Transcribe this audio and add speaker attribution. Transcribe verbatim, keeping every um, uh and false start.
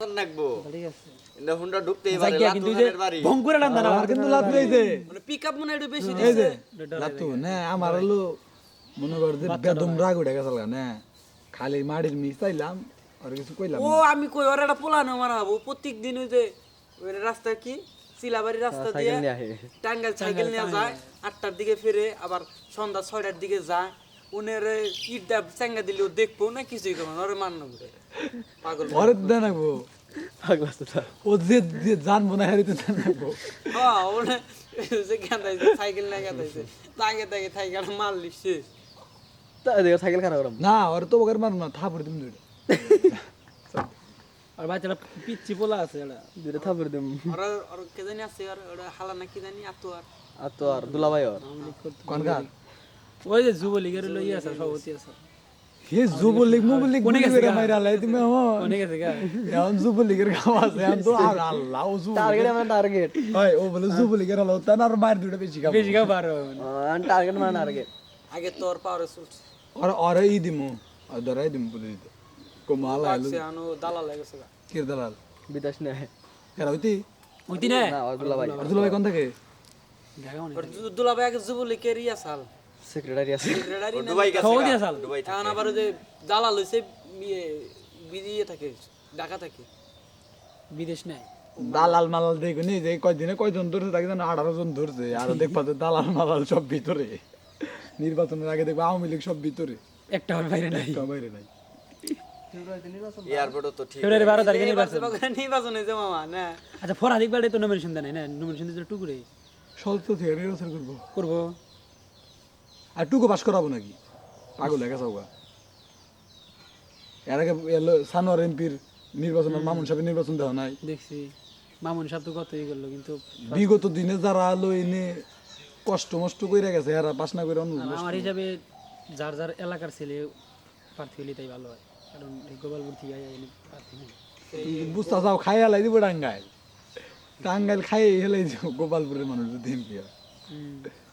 Speaker 1: নাকবো
Speaker 2: ঠিক আছে
Speaker 1: ইন্দা হুন্ডা ঢুকতেই পারে
Speaker 2: জায়গা কিন্তু যে
Speaker 1: লাতুনের বাড়ি
Speaker 2: ভং করে লান্দা না
Speaker 3: আর কিন্তু লাভ নেই যে
Speaker 4: মানে পিকআপ মনে একটু বেশি
Speaker 3: এই
Speaker 4: দিছে
Speaker 3: যে লাতু না আমার হলো মনে কর যে বেদম রাগ উঠে গেছে না খালি মাটির মিস চাইলাম আর কিছু কইলাম
Speaker 4: ও আমি কই ওর একটা পোলানো মারাবো প্রত্যেক দিন ওই যে ওই রাস্তা কি সিলাবাড়ি রাস্তা দিয়ে টাঙ্গাইল সাইকেল নিয়ে যায় আটটার দিকে ফিরে আবার সন্ধ্যা ছয়টার দিকে যায় উনের ইট দা চেঙ্গা দিলেও দেখবো না কিছুই করবো না ওরে মান্য করে পাগল
Speaker 3: ঘরে দেন নাকবো ও যে যে জানবো না হারিতে জান নাকবো
Speaker 4: হ্যাঁ ওনে যে গান্দাইছে সাইকেল নিয়ে গান্দাইছে তাকে তাকে সাইকেল মারলি শেষ
Speaker 2: সাইকেল খারাপ করলাম
Speaker 3: না ওর তো ওকে মারব না থাপড় দিম দুইটা
Speaker 2: আর বাচ্চাটা পিচ্ছি পোলা আছে এটা দুইটা থাপড় দিম
Speaker 4: ওরা ওর কে জানি আছে আর ওরা হালা না কি জানি আতো আর
Speaker 2: আর তো আর দুলাভাই আর
Speaker 3: কোনকার
Speaker 2: ওই যে যুবলীগের লই আছে সভাপতি আছে
Speaker 3: হে যুবলীগ মুবলীগ
Speaker 2: কোনে গেছে গা?
Speaker 3: মাইরা লাই তুমি আমার
Speaker 2: অনেক আছে গা
Speaker 3: এখন যুবলীগের কাম আছে এখন তো আর আল্লাহ ও যুবলীগ
Speaker 2: টার্গেট আমার টার্গেট
Speaker 3: হয় ও বলে যুবলীগের হলো তার আর মার দুইটা বেশি খাবো
Speaker 2: বেশি গা পারো আর টার্গেট মানে টার্গেট
Speaker 4: আগে তোর পাওয়ারে চলছে
Speaker 3: আর আর ই দিমু আর ধরাই দিমু বলে দিতে কমাল আইলো
Speaker 4: সে আনো দালাল লাগেছে গা
Speaker 3: কির দালাল
Speaker 2: বিদেশ নে
Speaker 3: এরা হইতি
Speaker 2: ওইতি না
Speaker 4: হ্যাঁ।
Speaker 2: না আর দুলাভাই
Speaker 3: আব্দুল ভাই কোন থেকে
Speaker 2: জায়গা মনে
Speaker 4: ওর দুলাভাই আগে যুবলীগের ইয়া সাল
Speaker 2: সেক্রেটারি আছে
Speaker 4: সেক্রেটারি না
Speaker 1: দুবাই গেছে
Speaker 2: সভাপতি
Speaker 1: গা,
Speaker 2: আসাল
Speaker 1: দুবাই
Speaker 4: এখন আবার ওই যে দালাল হইছে ইয়ে বিদিয়ে থাকে ঢাকা থাকে
Speaker 2: বিদেশ নাই
Speaker 3: দালাল মালাল দেখো নি যে কয়দিনে কয়জন ধরছে তাকে জানো আঠারো জন ধরছে আর দেখবা যে দালাল মালাল সব ভিতরে নির্বাচনের আগে দেখবা আওয়ামী লীগ সব ভিতরে
Speaker 2: একটা হবে বাইরে নাই
Speaker 3: কেউ বাইরে নাই
Speaker 1: এয়ারপোর্টও তো ঠিক
Speaker 2: ফেব্রুয়ারি বারো তারিখে নির্বাচন
Speaker 4: নির্বাচন হয়েছে মামা না
Speaker 2: আচ্ছা ফরাদিক বাড়ি তো নমিনেশন দেয় না নমিনেশন দিতে টুকুরে
Speaker 3: সলতো থেকে নির্বাচন করবো
Speaker 2: করবো
Speaker 3: আর টুকু পাস করাবো নাকি পাগল হয়ে গেছে ওগা। এর আগে এলো সানোয়ার এমপির নির্বাচন আর মামুন সাহেবের নির্বাচন দেওয়া নাই
Speaker 2: দেখছি মামুন সাহেব তো কতই করলো কিন্তু
Speaker 3: বিগত দিনে যারা আলো এনে কষ্ট মষ্ট করে গেছে এরা পাস না করে অন্য
Speaker 2: আমার হিসাবে যার যার এলাকার ছেলে প্রার্থী হলে তাই ভালো হয় কারণ এই গোপালপুর থেকে আইয়া প্রার্থী নেই
Speaker 3: বুঝতে চাও খাই হেলাই দিব টাঙ্গাইল টাঙ্গাইল খাই হেলাই দিব গোপালপুরের মানুষ যদি এমপি হয়
Speaker 2: হুম